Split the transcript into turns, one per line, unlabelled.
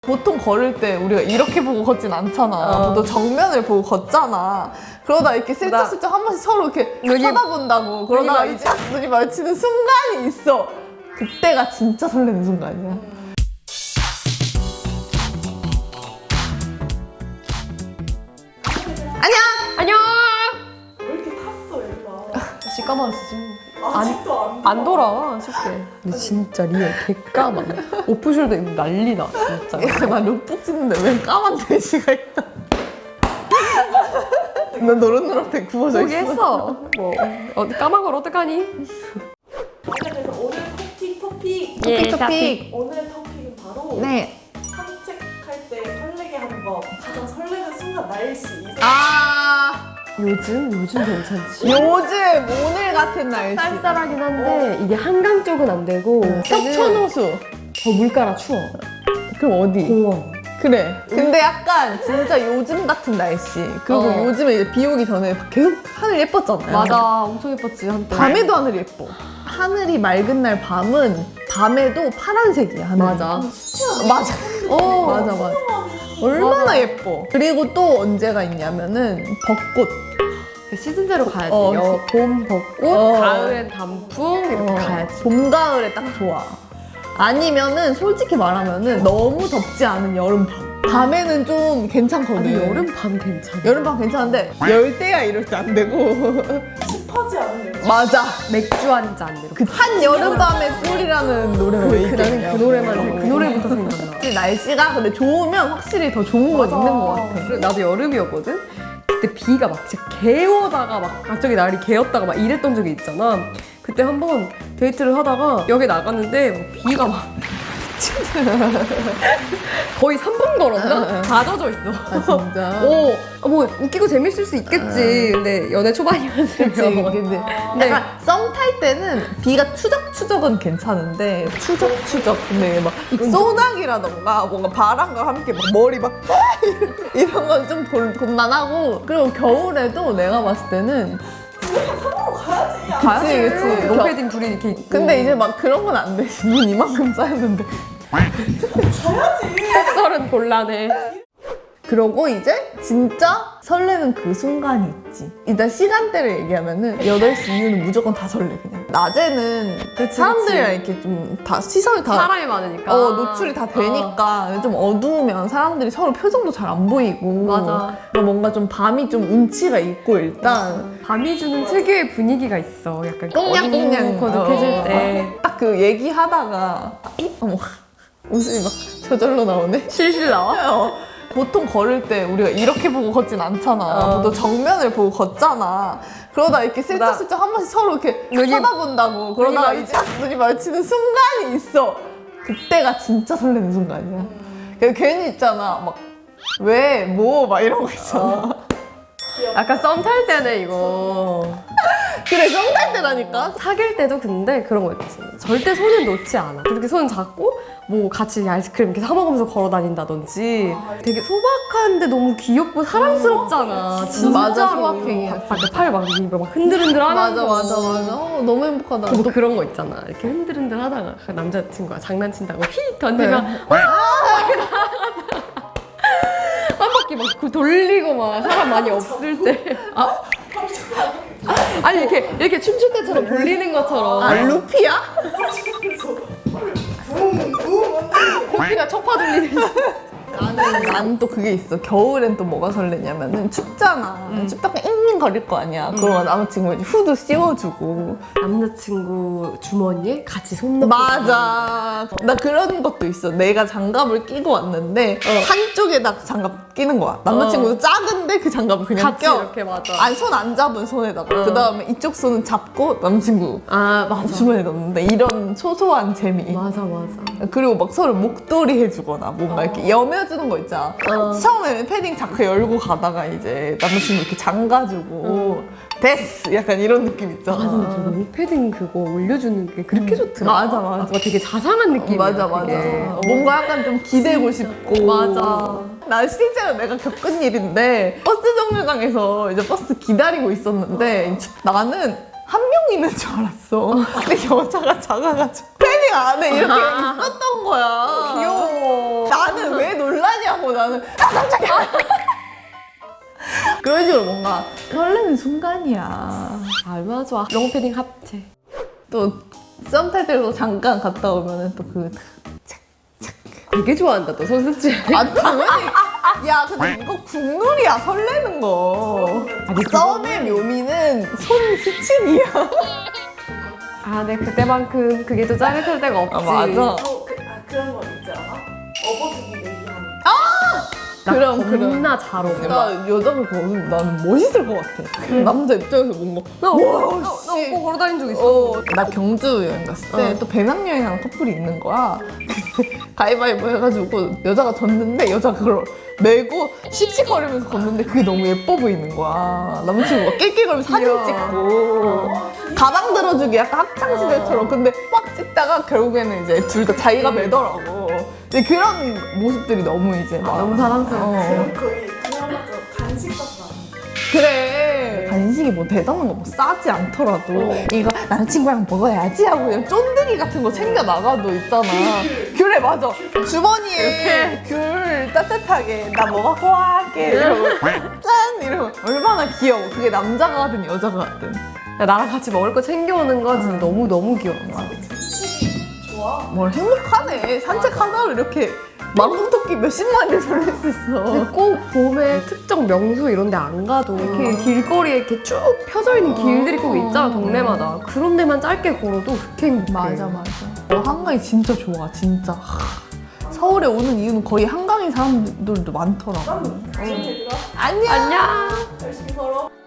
보통 걸을 때 우리가 이렇게 보고 걷진 않잖아. 너 정면을 보고 걷잖아. 그러다 이렇게 슬쩍슬쩍 한 번씩 서로 이렇게 쳐다본다고. 그러다가 이제 눈이 마주치는 순간이 있어. 그때가 진짜 설레는 순간이야.
안녕!
왜 이렇게 탔어, 얘가?
다시 까만했지.
아직도
안 돌아와, 쉽게. 근데 진짜 리얼 개까만. 오프숄더 입으면 난리나, 진짜.
야, 나 룩북 찍는데 왜 까만 돼지가 있다. 난 노릇노릇해 구워져 있어.
포기했어. 뭐, 어디 까만 걸 어떡하니?
그래서 오늘 토픽
예,
토픽.
오늘 토픽은 바로
네.
산책할 때 설레게 하는 법, 가장 설레는 순간 날씨.
요즘 괜찮지.
요즘 오늘 같은 날씨.
쌀쌀하긴 한데, 이게 한강 쪽은 안 되고,
석촌호수.
더 물가라 추워.
그럼 어디?
공원.
그래. 근데 약간 진짜 요즘 같은 날씨. 그리고 요즘에 이제 비 오기 전에 계속 하늘 예뻤잖아요.
맞아, 엄청 예뻤지, 한때.
밤에도 하늘이 예뻐. 하늘이 맑은 날 밤은 밤에도 파란색이야. 하늘이.
맞아.
맞아. 맞아.
소원이
얼마나 예뻐. 그리고 또 언제가 있냐면은 벚꽃.
시즌제로 가야지.
어.
봄 벚꽃, 가을엔 단풍 이렇게 가야지.
봄, 가을에 딱 좋아. 아니면은 솔직히 말하면은 너무 덥지 않은 여름밤. 밤에는 좀 괜찮거든.
아니 여름 밤 괜찮아.
여름밤 괜찮은데 열대야 이럴 때 안 되고.
습하지 않은 날.
맞아.
맥주 한 잔 이렇게.
한 여름밤의 꿀이라는 노래가 왜 있겠냐.
그 노래만 그 노래부터 생각나.
날씨가 근데 좋으면 확실히 더 좋은 건 있는 것 같아.
그래, 나도 여름이었거든. 그때 비가 막 진짜 개오다가 막 갑자기 날이 개었다가 막 이랬던 적이 있잖아. 그때 한번 데이트를 하다가 역에 나갔는데 막 비가 막 거의 3분 걸었나? 다 젖어 있어.
아 진짜?
오, 뭐 웃기고 재밌을 수 있겠지. 근데 연애 초반이었으면.
그치. 근데 약간 썸 탈 때는 비가 추적추적은 괜찮은데 추적추적 근데 막 소나기라던가 뭔가 바람과 함께 막 머리 막 이런 건 좀 곤란하고 그리고 겨울에도 내가 봤을 때는
가야지.
그치.
로페딘 둘이 이렇게 있고.
근데 이제 막 그런 건 안 되지. 눈 이만큼 쌓였는데.
가야지.
햇살은 곤란해.
그러고 이제 진짜 설레는 그 순간이 있지. 일단 시간대를 얘기하면은 8시 이후는 무조건 다 설레 그냥. 낮에는 사람들이랑 이렇게 좀 다 시선이 다
사람이 많으니까.
노출이 다 되니까 좀 어두우면 사람들이 서로 표정도 잘 안 보이고
맞아.
뭔가 좀 밤이 좀 운치가 있고 일단
밤이 주는 특유의 분위기가 있어. 약간
꽁냥꽁냥
어둑어둑해질 때.
딱 그 얘기하다가 어머 웃음이 막 저절로 나오네.
실실 나와?
보통 걸을 때 우리가 이렇게 보고 걷진 않잖아. 너 정면을 보고 걷잖아. 그러다 이렇게 슬쩍슬쩍 한 번씩 서로 이렇게 쳐다본다고. 그러다가 이제 눈이 마주치는 순간이 있어. 그때가 진짜 설레는 순간이야. 괜히 있잖아. 막 왜, 뭐, 막 이런 거 있잖아.
약간 썸 탈 때는 이거.
그래, 썸 탈 때라니까?
사귈 때도 근데 그런 거 있지. 절대 손은 놓지 않아. 그렇게 손 잡고 뭐 같이 아이스크림 이렇게 사 먹으면서 걸어 다닌다든지 되게 소박한데 너무 귀엽고 사랑스럽잖아. 진짜로.
맞아, 소박해.
팔 막 흔들흔들 하는
맞아,
거.
맞아, 맞아. 너무 행복하다.
뭐 그런 거 있잖아. 이렇게 흔들흔들 하다가 남자친구가 장난친다고 휙 던지면 한 바퀴 막 돌리고 막 사람 많이 없을 때. 아니 이렇게 춤출 때처럼 돌리는 것처럼.
아, 루피야?
코피가 척파 돌리듯이.
나는 또 그게 있어. 겨울엔 또 뭐가 설레냐면은 춥잖아. 춥다가 잉잉 거릴 거 아니야. 그러면 남자친구가 이제 후드 씌워주고.
남자친구 주머니에 같이 손 넣고.
맞아. 나 그런 것도 있어. 내가 장갑을 끼고 왔는데 한쪽에다 장갑 끼는 거야. 남자친구도 작은데 그 장갑을 그냥
같이
껴.
이렇게 맞아.
아니 손 안 잡은 손에다가. 그 다음에 이쪽 손은 잡고 남자친구
아 맞아.
주머니에 넣는데 이런 소소한 재미.
맞아.
그리고 막 서로 목도리 해주거나 뭔가 이렇게 여며주는 거 있잖아. 처음에는 패딩 자크 열고 가다가 이제 남자친구 이렇게 잠가주고 됐어 약간 이런 느낌 있잖아.
너무 패딩 그거 올려주는 게 그렇게 좋더라.
맞아.
뭔가 되게 자상한 느낌이야.
맞아.
그게.
뭔가 약간 좀 기대고 싶고.
맞아.
나 실제로 내가 겪은 일인데 버스 정류장에서 이제 버스 기다리고 있었는데 나는 한 명 있는 줄 알았어. 근데 여자가 작아가지고 패딩 안에 이렇게 있었던 거야.
귀여워.
나는 왜 놀라냐고. 나는 깜짝이야. 그런 식으로 뭔가 설레는 순간이야.
얼마나 좋아. 롱패딩 합체.
또 썸 탈 때도 잠깐 갔다 오면은 또 그
되게 좋아한다, 너 손수질.
아, 당연히. 야, 근데 이거 국룰이야, 설레는 거. 썸의 묘미는 손 스친이야.
아, 네, 그때만큼 그게 또 짜릿할 때가 없지.
맞아.
그런 거 있지 않아? 업어주기 얘기하는.
나
그럼,
겁나 잘 어울려.
나 여자가 걸으면 나는 멋있을 것 같아. 남자 입장에서 뭔가.
나
와우,
나
씨.
업고 걸어다닌 적 있어.
나 경주 여행 갔을 때 또 배낭여행하는 커플이 있는 거야. 근데 가위바위보 해가지고 여자가 졌는데 여자가 그걸 메고 씩씩거리면서 걷는데 그게 너무 예뻐 보이는 거야. 남자친구가 낄낄거리면서 사진
귀여워.
찍고 가방 들어주기 약간 학창시절처럼. 근데 막 찍다가 결국에는 이제 둘 다 자기가 매더라고. 근데 그런 모습들이 너무 이제 막
너무 사랑스러워.
그럼 거의 그나마저 간식값도 안 돼.
그래. 간식이 뭐 대단한 거 뭐 싸지 않더라도 이거 남자친구랑 먹어야지 하고 그냥 쫀득이 같은 거 챙겨 나가도 있잖아. 귤에 맞아. 주머니에 귤 따뜻하게 나 뭐 갖고 와게 이러고 짠 이러면 얼마나 귀여워. 그게 남자가 하든 여자가 하든.
야, 나랑 같이 먹을 거 챙겨오는 거 진짜 너무 귀여워.
좋아.
뭘 행복하네. 산책하다가 이렇게 망토끼 몇십만 일 돌릴 수 있어.
근데 꼭 봄에 특정 명소 이런 데 안 가도 이렇게 길거리에 이렇게 쭉 펴져 있는 길들이 꼭 있잖아, 동네마다. 그런 데만 짧게 걸어도 그렇게 행복해.
맞아. 한강이 진짜 좋아, 진짜. 서울에 오는 이유는 거의 한강인 사람들도 많더라고.
난 지금 얘들아
안녕.
안녕.
열심히 걸어.